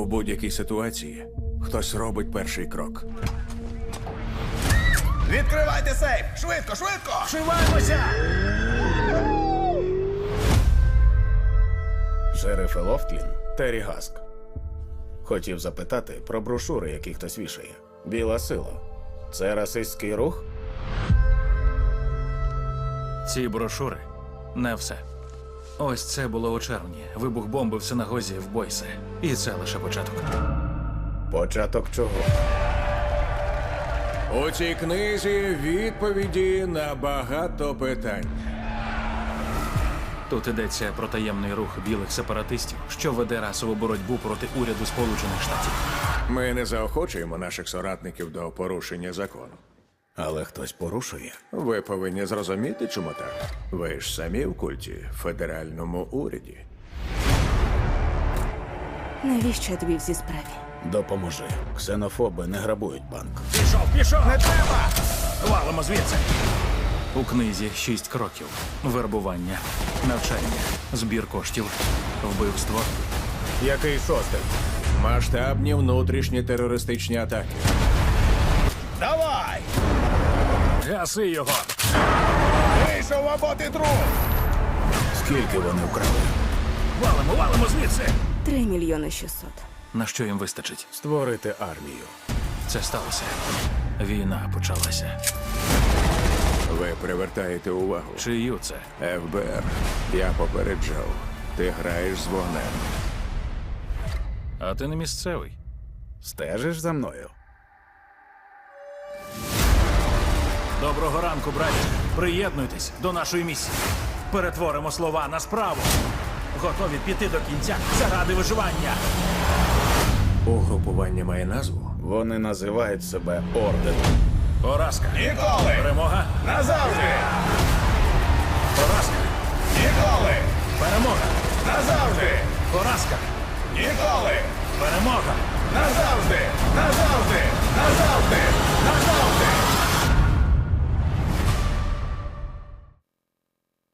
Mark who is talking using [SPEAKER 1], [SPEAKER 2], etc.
[SPEAKER 1] будь-якій ситуації хтось робить перший крок.
[SPEAKER 2] Відкривайте сейф! Швидко, швидко!
[SPEAKER 3] Вшиваємося!
[SPEAKER 4] Шериф Лофтлін, Террі Гаск. Хотів запитати про брошури, які хтось вішає. Біла сила. Це расистський рух?
[SPEAKER 3] Ці брошури – не все. Ось це було у червні. Вибух бомби в синагозі в Бойсе. І це лише початок.
[SPEAKER 4] Початок чого?
[SPEAKER 1] У цій книзі відповіді на багато питань.
[SPEAKER 3] Тут йдеться про таємний рух білих сепаратистів, що веде расову боротьбу проти уряду Сполучених Штатів.
[SPEAKER 1] Ми не заохочуємо наших соратників до порушення закону.
[SPEAKER 4] Але хтось порушує.
[SPEAKER 1] Ви повинні зрозуміти, чому так. Ви ж самі в культі, в федеральному уряді.
[SPEAKER 5] Навіщо я тобі в цій справі?
[SPEAKER 4] Допоможи. Ксенофоби не грабують банк.
[SPEAKER 3] Пішов! Не треба! Валимо звідси! У книзі 6 кроків. Вербування, навчання, збір коштів, вбивство.
[SPEAKER 4] Який шостий?
[SPEAKER 1] Масштабні внутрішні терористичні атаки.
[SPEAKER 2] Давай!
[SPEAKER 3] Гаси його!
[SPEAKER 2] Вийшов або ти труп!
[SPEAKER 4] Скільки вони вкрали?
[SPEAKER 3] Валимо звідси!
[SPEAKER 5] 3 мільйони 600.
[SPEAKER 3] На що їм вистачить?
[SPEAKER 4] Створити армію.
[SPEAKER 3] Це сталося. Війна почалася.
[SPEAKER 1] Ви привертаєте увагу.
[SPEAKER 3] Чию це?
[SPEAKER 1] ФБР, я попереджав. Ти граєш з вогнем.
[SPEAKER 3] А ти не місцевий.
[SPEAKER 4] Стежиш за мною?
[SPEAKER 3] Доброго ранку, браті. Приєднуйтесь до нашої місії. Перетворимо слова на справу. Готові піти до кінця заради виживання.
[SPEAKER 1] Угрупування має назву?
[SPEAKER 4] Вони називають себе орденом.
[SPEAKER 3] Поразка.
[SPEAKER 2] Ніколи!
[SPEAKER 3] Перемога.
[SPEAKER 2] Назавжди!
[SPEAKER 3] Поразка.
[SPEAKER 2] Ніколи!
[SPEAKER 3] Перемога.
[SPEAKER 2] Назавжди!
[SPEAKER 3] Поразка.
[SPEAKER 2] Ніколи!
[SPEAKER 3] Перемога.
[SPEAKER 2] Назавжди!